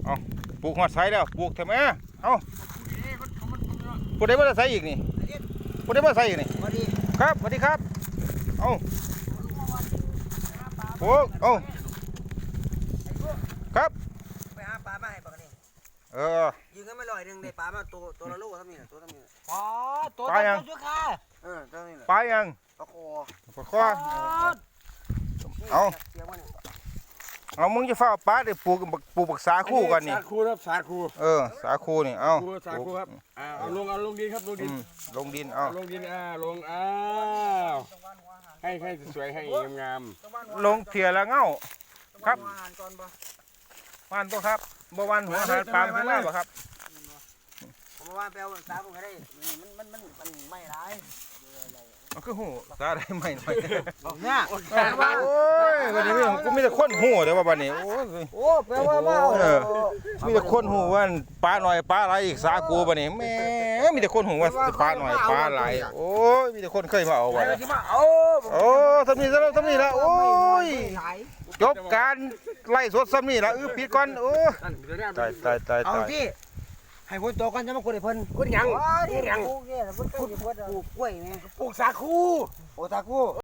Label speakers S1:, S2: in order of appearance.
S1: เอาปลูกหอดไซแล้วปลูกทำไมเอาผู้ใดมาใส่อีกนี่ผู้ใดมาใส่อีกนี่ครับสวัสดีครับเอาปลูกเอาครับ
S2: ไปหาปลามาให้ปลานี่ยิงกันไม่ลอยหนึ่งได้ปลามาตัวละลูกเท่านี้ตัวเท่านี้
S3: ปลาตัวชุกขา
S2: เท่านี้แหละ
S1: ปลายัง
S2: ปลาคอ
S1: ปลาคอเอามึงจะเฝ้าปลาเดี๋ยวปลูกปักษาคู่กันนี่
S4: สาคูครับสาคู
S1: สาคูนี่เอา
S4: สาคูครับเอาลงดินครับลงดิน
S1: ลงดินเอา
S4: ลงดินลงให้สวยให้งาม
S1: ลงเถี่ยละเงาครับวันตัวครับบ่วันหัวหาปลาขึ้นมาบ่ครับ
S2: ผมว่าแปลว่าสาผมก็ได้มันไม่ร้าย
S1: มันคือหูตาได้ไหมหน่อย
S2: เนี่ย
S1: โอ้ยวันนี้กูมีแต่คนหูเดี๋ยวว่าวันนี้
S2: โอ้แปลว่า
S1: มีแต่คนหูว่าปลาหน่อยปลาอะไรอีกสากูวันนี้แม่มีแต่คนหูว่าปลาหน่อยปลาอะไรโอ้ยมีแต่คนเคยมาเอาไว้โอ้ทำนี่แล้วทำนี่แล้วโอ้ยจบการไล่สดซ้ำนี่ละปิดก่อนโอ้ตาย
S2: เอาที่ให้คนโตกันจะมาคุยกับเพิ่น
S4: คุณยัง
S2: ปลูกกล้วยไง
S4: ปลูกสาคู
S2: ปลูกสาคู